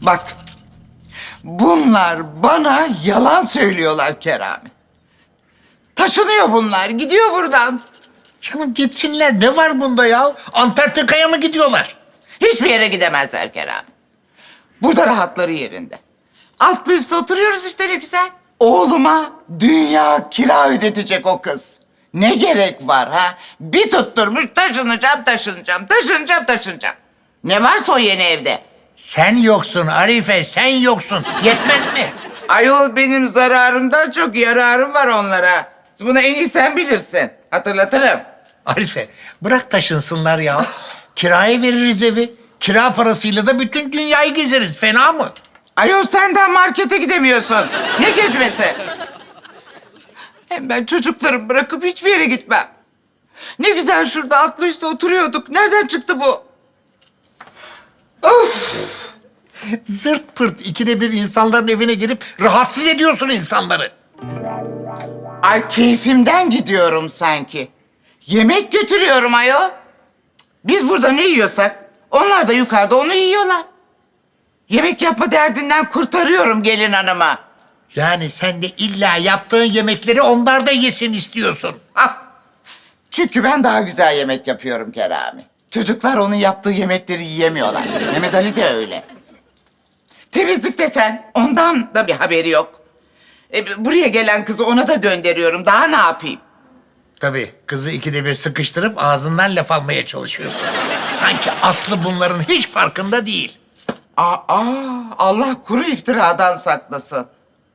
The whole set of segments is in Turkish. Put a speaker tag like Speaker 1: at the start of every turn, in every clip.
Speaker 1: Bak, bunlar bana yalan söylüyorlar Kerami. Taşınıyor bunlar, gidiyor buradan.
Speaker 2: Canım gitsinler. Ne var bunda ya? Antarktika'ya mı gidiyorlar?
Speaker 1: Hiçbir yere gidemezler Kerami. Burada rahatları yerinde. Altlı üstte oturuyoruz işte ne güzel. Oğluma dünya kira ödetecek o kız. Ne gerek var ha? Bir tutturmuş taşınacağım. Ne varsa o yeni evde.
Speaker 2: Sen yoksun Arife, sen yoksun. Yetmez mi?
Speaker 1: Ayol benim zararımdan çok yararım var onlara. Bunu en iyi sen bilirsin. Hatırlatırım.
Speaker 2: Arife, bırak taşınsınlar ya. Kiraya veririz evi. Kira parasıyla da bütün dünyayı gezeriz. Fena mı?
Speaker 1: Ayol sen daha markete gidemiyorsun. Ne gezmesi? Hem ben çocuklarımı bırakıp hiçbir yere gitmem. Ne güzel şurada atlı üstte oturuyorduk. Nereden çıktı bu? Of!
Speaker 2: Zırt pırt ikide bir insanların evine girip rahatsız ediyorsun insanları.
Speaker 1: Ay keyfimden gidiyorum sanki. Yemek götürüyorum ayol. Biz burada ne yiyorsak onlar da yukarıda onu yiyorlar. Yemek yapma derdinden kurtarıyorum gelin hanıma.
Speaker 2: Yani sen de illa yaptığın yemekleri onlar da yesin istiyorsun.
Speaker 1: Ah! Çünkü ben daha güzel yemek yapıyorum Kerami. Çocuklar onun yaptığı yemekleri yiyemiyorlar. Mehmet Ali de öyle. Temizlik desen ondan da bir haberi yok. Buraya gelen kızı ona da gönderiyorum. Daha ne yapayım?
Speaker 2: Tabii kızı ikide bir sıkıştırıp ağzından laf almaya çalışıyorsun. Sanki Aslı bunların hiç farkında değil.
Speaker 1: Allah kuru iftiradan saklasın.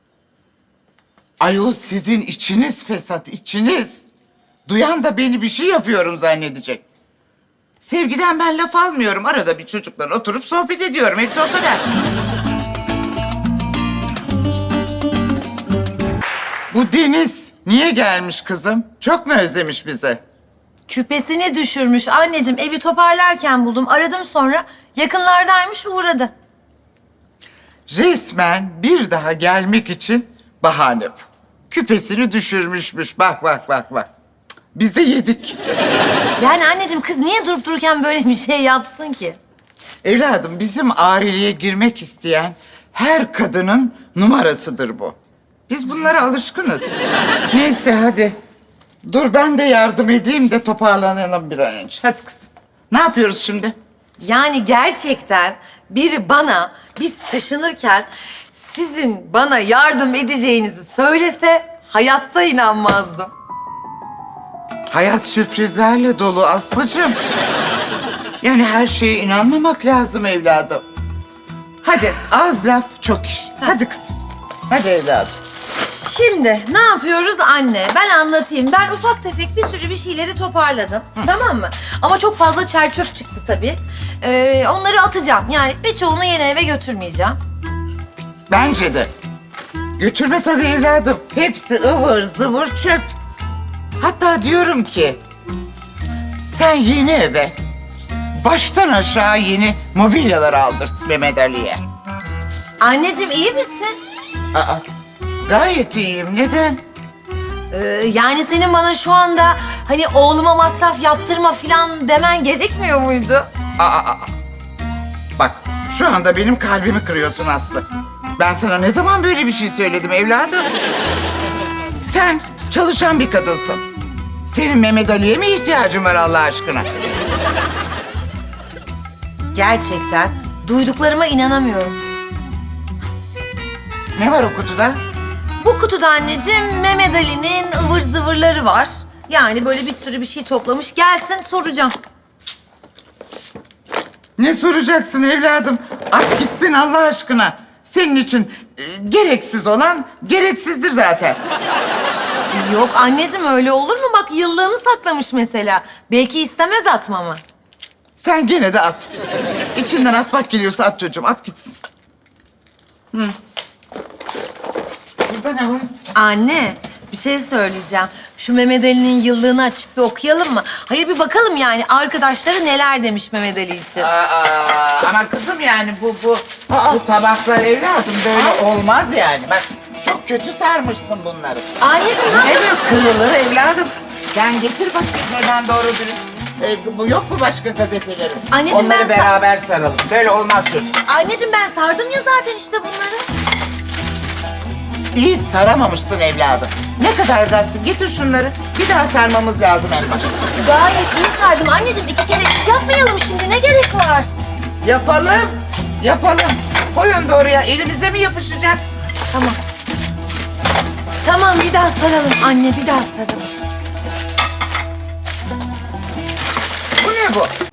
Speaker 1: Ayol sizin içiniz fesat, içiniz. Duyan da beni bir şey yapıyorum zannedecek. Sevgiden ben laf almıyorum. Arada bir çocukla oturup sohbet ediyorum. Hepsi o kadar. Bu Deniz niye gelmiş kızım? Çok mu özlemiş bizi?
Speaker 3: Küpesini düşürmüş anneciğim. Evi toparlarken buldum. Aradım sonra. Yakınlardaymış uğradı.
Speaker 1: Resmen bir daha gelmek için bahane bu. Küpesini düşürmüşmüş. Bak. Biz de yedik.
Speaker 3: Yani anneciğim kız niye durup dururken böyle bir şey yapsın ki?
Speaker 1: Evladım bizim aileye girmek isteyen her kadının numarasıdır bu. Biz bunlara alışkınız. Neyse hadi. Dur ben de yardım edeyim de toparlanalım bir an önce. Hadi kızım. Ne yapıyoruz şimdi?
Speaker 3: Yani gerçekten biri bana biz taşınırken sizin bana yardım edeceğinizi söylese hayatta inanmazdım.
Speaker 1: Hayat sürprizlerle dolu Aslı'cığım. Yani her şeye inanmamak lazım evladım. Hadi az laf çok iş. Hadi kızım. Hadi evladım.
Speaker 3: Şimdi ne yapıyoruz anne? Ben anlatayım. Ben ufak tefek bir sürü bir şeyleri toparladım. Tamam mı? Ama çok fazla çer çöp çıktı tabii. Onları atacağım. Yani birçoğunu yeni eve götürmeyeceğim.
Speaker 1: Bence de. Götürme tabii evladım. Hepsi ıvır zıvır çöp. Hatta diyorum ki... sen yeni eve baştan aşağı yeni mobilyalar aldırt Mehmet Ali'ye.
Speaker 3: Anneciğim iyi misin?
Speaker 1: Aa, gayet iyiyim. Neden?
Speaker 3: Yani senin bana şu anda hani oğluma masraf yaptırma falan demen gerekmiyor muydu?
Speaker 1: Aa. Bak şu anda benim kalbimi kırıyorsun Aslı. Ben sana ne zaman böyle bir şey söyledim evladım? Sen çalışan bir kadınsın. Senin Mehmet Ali'ye mi ihtiyacın var Allah aşkına?
Speaker 3: Gerçekten duyduklarıma inanamıyorum.
Speaker 1: Ne var o kutuda?
Speaker 3: Bu kutuda anneciğim Mehmet Ali'nin ıvır zıvırları var. Yani böyle bir sürü bir şey toplamış. Gelsin soracağım.
Speaker 1: Ne soracaksın evladım? At gitsin Allah aşkına. Senin için gereksiz olan gereksizdir zaten.
Speaker 3: Yok anneciğim öyle olur mu? Bak yıllığını saklamış mesela. Belki istemez atmamı.
Speaker 1: Sen gene de at. İçinden atmak geliyorsa at çocuğum, at gitsin. Burada ne var?
Speaker 3: Anne bir şey söyleyeceğim. Şu Mehmet Ali'nin yıllığını açıp bir okuyalım mı? Hayır bir bakalım yani arkadaşları neler demiş Mehmet Ali için.
Speaker 1: Ama kızım yani bu tabaklar evladım böyle olmaz yani. Bak çok kötü sarmışsın bunları.
Speaker 3: Anneciğim ne
Speaker 1: Ne
Speaker 3: yapıyorsun?
Speaker 1: böyle kırılır evladım? Sen getir bakayım hemen doğru dürüst. Bu yok mu başka gazetelerin?
Speaker 3: Anneciğim,
Speaker 1: Onları
Speaker 3: ben
Speaker 1: beraber saralım. Böyle olmaz çocuk.
Speaker 3: Anneciğim ben sardım ya zaten işte bunları.
Speaker 1: İyi saramamışsın evladım. Ne kadar gazete. Getir şunları. Bir daha sarmamız lazım en başta.
Speaker 3: Gayet iyi sardım anneciğim. 2 kere iş yapmayalım şimdi, ne gerek var?
Speaker 1: Yapalım. Yapalım. Koyun da oraya. Elinize mi yapışacak?
Speaker 3: Tamam. Tamam, bir daha saralım anne, bir daha saralım.
Speaker 1: Bu ne bu?